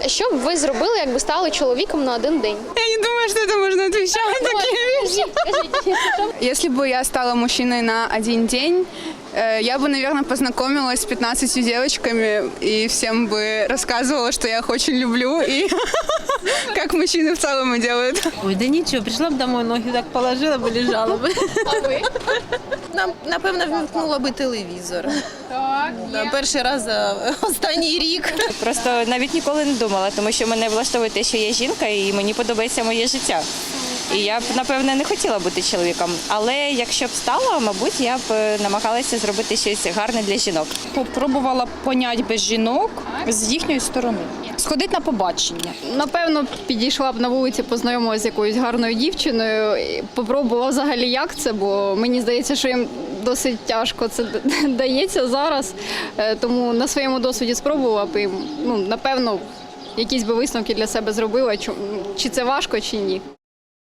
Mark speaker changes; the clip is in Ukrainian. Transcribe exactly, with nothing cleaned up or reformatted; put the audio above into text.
Speaker 1: Що б ви зробили, якби стали чоловіком на один день?
Speaker 2: Я не думаю, что это можно отвечать на такие вещи.
Speaker 1: Кажіть,
Speaker 2: Если бы я стала мужчиной на один день, э, я бы, наверное, познакомилась с пятнадцатью девочками и всем бы рассказывала, что я их очень люблю и как мужчины в целом и делают.
Speaker 3: Ой, да нічого, прийшла б домой, ноги так положила б, лежала б.
Speaker 1: А ви?
Speaker 4: Нам, напевно, вмикнула би телевізор.
Speaker 1: Так,
Speaker 4: Да, перший раз за останній рік.
Speaker 5: Просто навіть ніколи не думала, тому що мене влаштовує те, що я жінка, і мені подобається моє життя. І я б, напевне, не хотіла бути чоловіком. Але якщо б стала, мабуть, я б намагалася зробити щось гарне для жінок.
Speaker 6: Попробувала поняти без жінок з їхньої сторони. Сходити на побачення.
Speaker 7: Напевно, підійшла б на вулиці, познайомилася з якоюсь гарною дівчиною, і попробувала взагалі, як це, бо мені здається, що їм досить тяжко це дається зараз. Е, Тому на своєму досвіді спробувала б і, ну, напевно, якісь би висновки для себе зробила, чи- чи це важко, чи ні.